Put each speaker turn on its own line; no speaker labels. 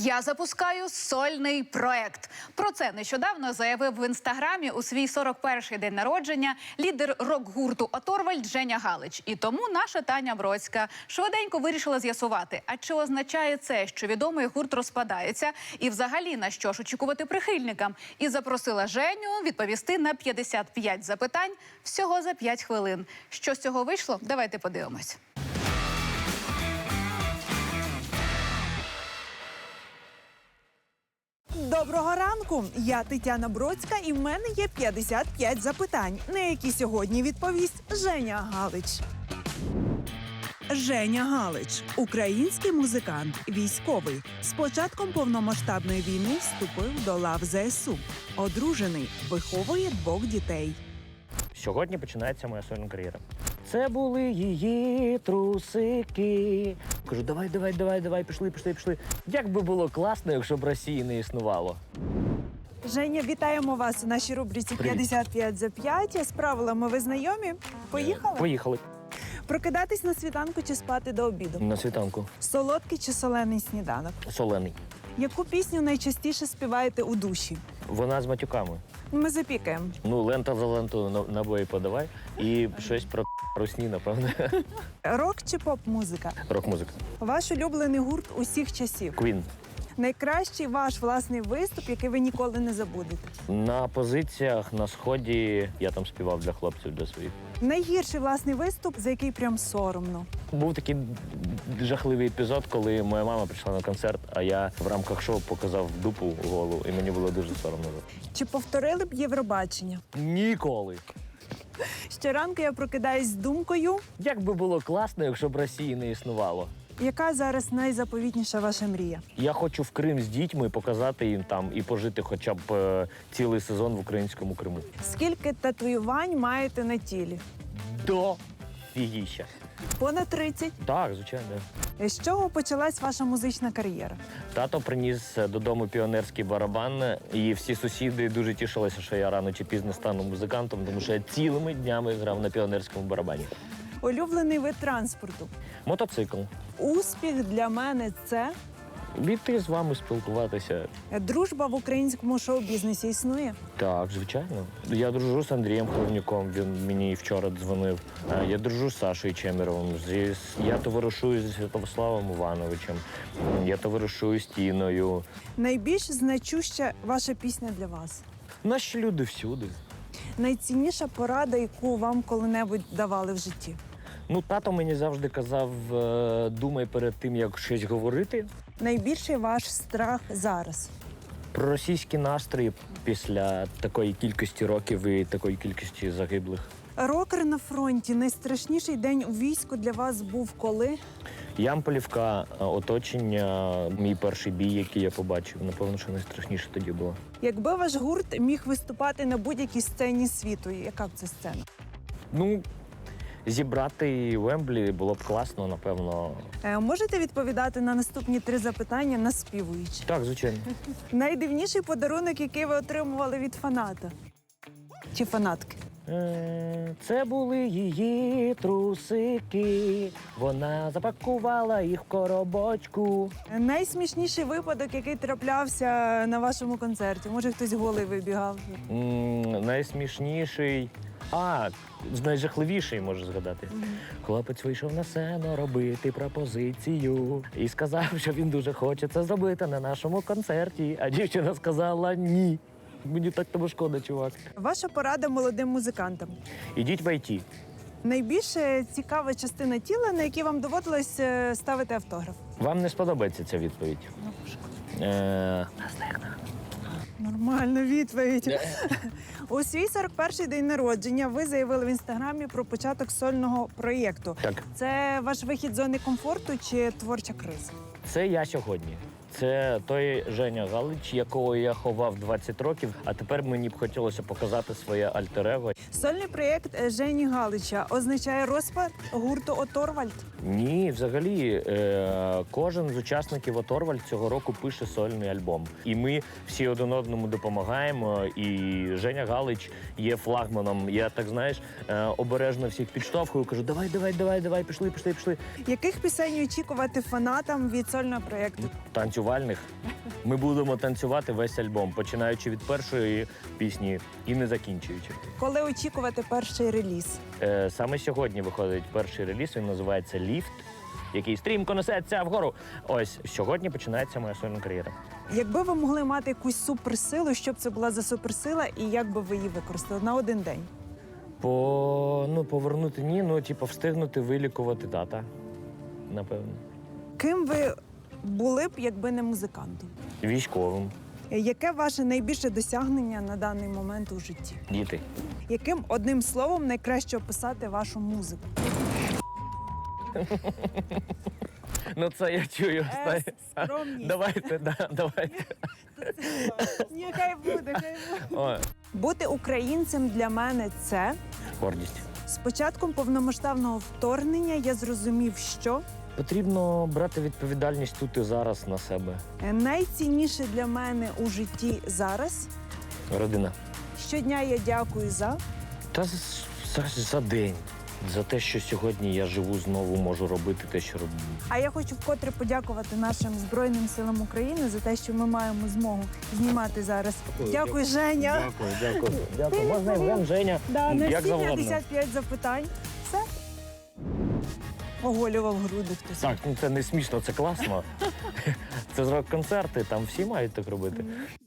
Я запускаю сольний проект. Про це нещодавно заявив в інстаграмі у свій 41-й день народження лідер рок-гурту «Оторвальд» Женя Галич. І тому наша Таня Бродська швиденько вирішила з'ясувати, а чи означає це, що відомий гурт розпадається, і взагалі на що ж очікувати прихильникам. І запросила Женю відповісти на 55 запитань всього за 5 хвилин. Що з цього вийшло? Давайте подивимось.
Доброго ранку! Я Тетяна Бродська, і в мене є 55 запитань, на які сьогодні відповість Женя Галич. Женя Галич – український музикант, військовий. З початком повномасштабної війни вступив до лав ЗСУ. Одружений, виховує 2 дітей.
Сьогодні починається моя сольна кар'єра. Це були її трусики. Кажу, давай, пішли. Як би було класно, якщо б Росії не існувало.
Женя, вітаємо вас у нашій рубриці «55 за 5». З правилами ви знайомі? Поїхали?
Поїхали.
Прокидатись на світанку чи спати до обіду?
На світанку.
Солодкий чи солений сніданок?
Солений.
Яку пісню найчастіше співаєте у душі?
Вона з матюками.
Ми запікаємо.
Ну, лента за ленту набої подавай. І щось про русні, напевно.
Рок чи поп-музика?
Рок-музика.
Ваш улюблений гурт усіх часів?
Queen.
Найкращий ваш власний виступ, який ви ніколи не забудете?
На позиціях на Сході я там співав для хлопців, для своїх.
Найгірший власний виступ, за який прям соромно?
Був такий жахливий епізод, коли моя мама прийшла на концерт, а я в рамках шоу показав дупу голу, і мені було дуже соромно.
Чи повторили б Євробачення?
Ніколи.
Щоранку я прокидаюсь з думкою.
Як би було класно, якщо б Росії не існувало.
Яка зараз найзаповітніша ваша мрія?
Я хочу в Крим з дітьми показати їм там і пожити хоча б цілий сезон в українському Криму.
Скільки татуювань маєте на тілі?
До фігіща.
Понад 30.
Так, звичайно.
З чого почалась ваша музична кар'єра?
Тато приніс додому піонерський барабан, і всі сусіди дуже тішилися, що я рано чи пізно стану музикантом, тому що я цілими днями грав на піонерському барабані.
Улюблений вид транспорту?
Мотоцикл.
Успіх для мене – це?
Піти з вами спілкуватися.
Дружба в українському шоу-бізнесі існує?
Так, звичайно. Я дружу з Андрієм Хровнюком, він мені вчора дзвонив. Я дружу з Сашою Чемеровим. Я товаришую зі Святославом Івановичем. Я товаришую з Тіною.
Найбільш значуща ваша пісня для вас?
Наші люди всюди.
Найцінніша порада, яку вам коли-небудь давали в житті?
Ну, тато мені завжди казав, думай перед тим, як щось говорити.
Найбільший ваш страх зараз?
Про російські настрої після такої кількості років і такої кількості загиблих.
Рокер на фронті. Найстрашніший день у війську для вас був коли?
Ямполівка, оточення, мій перший бій, який я побачив. Напевно, що найстрашніше тоді було.
Якби ваш гурт міг виступати на будь-якій сцені світу, яка б це сцена?
Ну, зібрати Вемблі було б класно, напевно.
Можете відповідати на наступні 3 запитання наспівуючи?
Так, звичайно.
Найдивніший подарунок, який ви отримували від фаната? Чи фанатки?
Це були її трусики. Вона запакувала їх в коробочку.
Найсмішніший випадок, який траплявся на вашому концерті? Може, хтось голий вибігав?
Найсмішніший. Найжахливіший, можу згадати. Хлопець вийшов на сцену робити пропозицію і сказав, що він дуже хоче це зробити на нашому концерті. А дівчина сказала ні. Мені так тому шкода, чувак.
Ваша порада молодим музикантам?
Ідіть в ІТ.
Найбільш цікава частина тіла, на якій вам доводилось ставити автограф?
Вам не сподобається ця відповідь?
Нормальна відповідь. У свій 41-й день народження ви заявили в інстаграмі про початок сольного проєкту.
Так.
Це ваш вихід з зони комфорту чи творча криза?
Це я сьогодні. Це той Женя Галич, якого я ховав 20 років, а тепер мені б хотілося показати своє альтер-его.
Сольний проєкт Жені Галича означає розпад гурту «Оторвальд»?
Ні, взагалі, кожен з учасників «Оторвальд» цього року пише сольний альбом. І ми всі один одному допомагаємо, і Женя Галич є флагманом. Я, так знаєш, обережно всіх підштовхую, кажу, давай, пішли.
Яких пісень очікувати фанатам від сольного проєкту?
«Танцю танцювальних. Ми будемо танцювати весь альбом, починаючи від першої пісні і не закінчуючи.
Коли очікувати перший реліз?
Саме сьогодні виходить перший реліз, він називається «Ліфт», який стрімко несеться вгору. Ось, сьогодні починається моя сольна кар'єра.
Якби ви могли мати якусь суперсилу, що б це була за суперсила і як би ви її використали на один день?
Повернути ні, встигнути вилікувати тата, напевно.
Ким ви були б, якби не музикантом?
Військовим,
Яке ваше найбільше досягнення на даний момент у житті?
діти.
Яким одним словом найкраще описати вашу музику?
Ну це я чую.
Скромність.
Давайте.
Ні, хай буде.
О,
Бути українцем для мене це.
гордість.
З початком повномасштабного вторгнення я зрозумів, що
Потрібно брати відповідальність тут і зараз на себе.
найцінніше для мене у житті зараз.
Родина.
Щодня я дякую за.
Та за день. За те, що сьогодні я живу, знову можу робити те, що роблю.
А я хочу вкотре подякувати нашим Збройним силам України за те, що ми маємо змогу знімати зараз. Дякую, Женя.
Дякую. Можна Євген, Женя,
Да, на
як
всі
завгодно.
55 запитань. Все. Оголював груди хтось.
Так, це не смішно, це класно. Це ж рок-концерти, там всі мають так робити.